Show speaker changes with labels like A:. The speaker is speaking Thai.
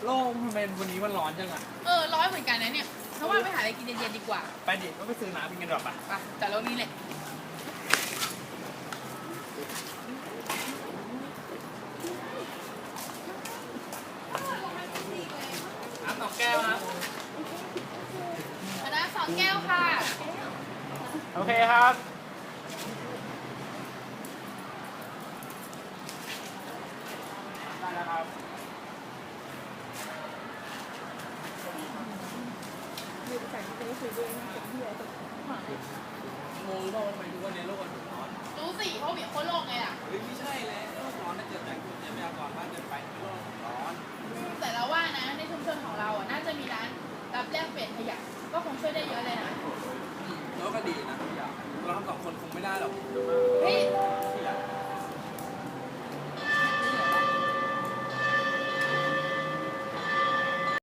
A: โลกทำไมวันนี้มันร้อนจังอ่ะ
B: ร้อนเหมือนกันนะเนี่ยเพราะว่าไปหาอะไรกินเย็นๆดีกว่า
A: ไปดิก็ไปซื้อน้ำกินกันดีกว่าปะ
B: ไปแต่โลกนี้แหละ
A: น้ำ2 แก้วนะ
B: คณะ2 แก้วค่ะ
A: โอเคครับได้แล้วครับงงว่าทำไมทุกวันนี้โลกมันถึงร้อน
B: รู้สิเพราะเหมียวโคตรโลกไงล่ะ
A: เฮ้ยไม่ใช่แล้วโลกร้อนถ้าเกิดจากคุณทรัพยากรมากเกินไปโลกร้อน
B: แต่เราว่านะในชุมชนของเราอ่ะน่าจะมีร้านรับแลกเปลี่ยนขยะก็คงช่วยได้เยอะเลยนะ
A: แล้วก็ดีนะทุกอย่างเราทำ2 คนคงไม่ได้หรอก